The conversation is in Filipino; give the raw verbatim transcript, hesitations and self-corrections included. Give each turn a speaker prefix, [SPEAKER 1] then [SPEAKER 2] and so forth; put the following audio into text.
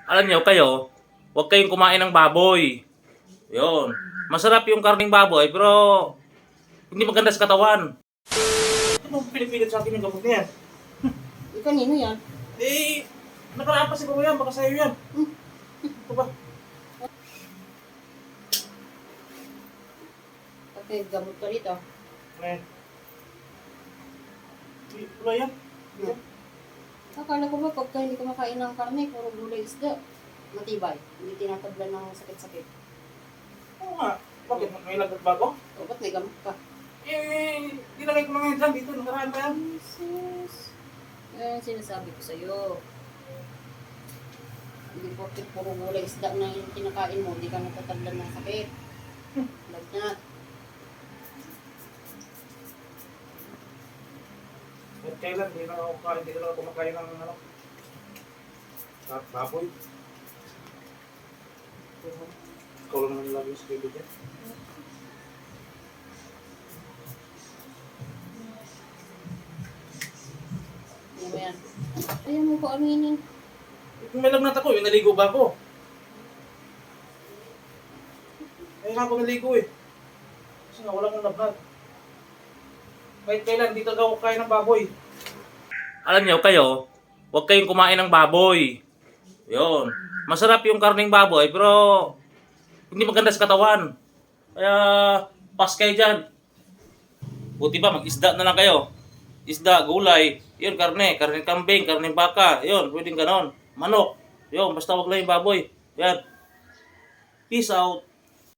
[SPEAKER 1] Alam niyo kayo, huwag kayong kumain ng baboy. Yun. Masarap yung karning baboy, pero hindi maganda sa katawan. Ano pinipilit sa akin yung gamot na yan?
[SPEAKER 2] Eh, kanino yan?
[SPEAKER 1] Eh, nakaraan pa si Baboy yan, baka sa'yo yan.
[SPEAKER 2] Hmm.
[SPEAKER 1] Ito ba?
[SPEAKER 2] Pati gamot ka rito.
[SPEAKER 1] Eh. Wala yan.
[SPEAKER 2] Hmm. Akala ko ba pagka hindi ka makain ng karne, puro gulay isda, matibay. Hindi tinatablan ng sakit-sakit.
[SPEAKER 1] Oo nga. Bakit? May lagat ba ako?
[SPEAKER 2] O, ba't may gamot ka?
[SPEAKER 1] Eh, dinagay ko na ngayon dyan dito. Nakaraan pa yan.
[SPEAKER 2] Jesus. Yan sinasabi ko sa'yo. Hindi po puro gulay isda na yung kinakain mo, hindi ka natatablan ng sakit. Lagnat.
[SPEAKER 1] At kailan, hindi na ako kain, hindi na ako kumakain ng ano, baboy. Ikaw lang naman lagi sa kaibigan.
[SPEAKER 2] Ano ba yan? Ayaw mo ko aminin.
[SPEAKER 1] Kung may lagnat ako, yung naligo ba ako? Ayaw nga ako naligo eh. Kasi nga wala kong lagnat. Kahit kailan, dito daw ako kain ng baboy. Alam niyo kayo, huwag kayong kumain ng baboy. Yun. Masarap yung karning baboy, pero hindi maganda sa katawan. Kaya, pas kayo dyan. Buti ba, mag-isda na lang kayo. Isda, gulay, yun, karne, karne kambing, karne baka, yun, pwedeng ganon. Manok, yun, basta wag lang yung baboy. Yan. Peace out.